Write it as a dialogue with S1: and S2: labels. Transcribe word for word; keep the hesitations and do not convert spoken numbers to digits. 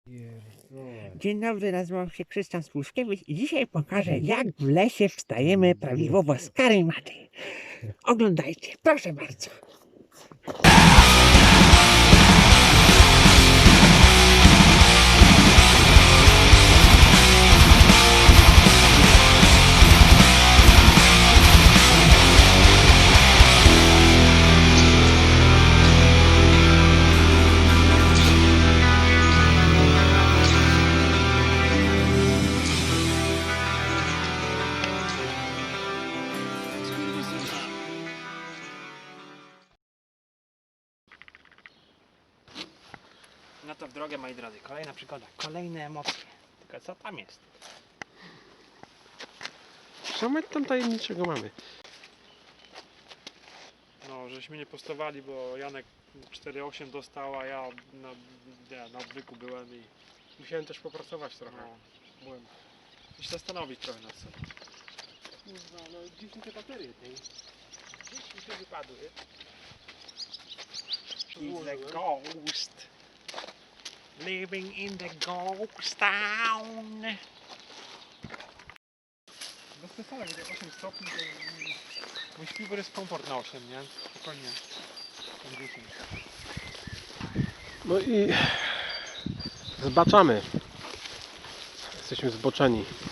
S1: Dzień dobry, nazywam się Krystian Spłuszkiewicz i dzisiaj pokażę, jak w lesie wstajemy prawidłowo z karimaty. Oglądajcie, proszę bardzo. No to w drogę, moi drodzy, kolejna przygoda, kolejne emocje. Tylko co tam jest?
S2: Co my tam tajemniczego mamy?
S3: No, żeśmy nie postawali, bo Janek cztery osiem dostał, a ja na, nie, na odwyku byłem i
S2: Musiałem też popracować trochę.
S3: no, byłem i się zastanowić trochę nad sobą.
S2: Kurwa, no gdzieś mi te baterie tej.
S1: Gdzieś mi tu wypadły.
S3: He's the ghost. Living in the ghost town. Bez przesady, gdy osiem stopni, to mój śpiwór jest komfort na osiem, nie? Spokojnie. dziesięć.
S2: No i zbaczamy. Jesteśmy zboczeni.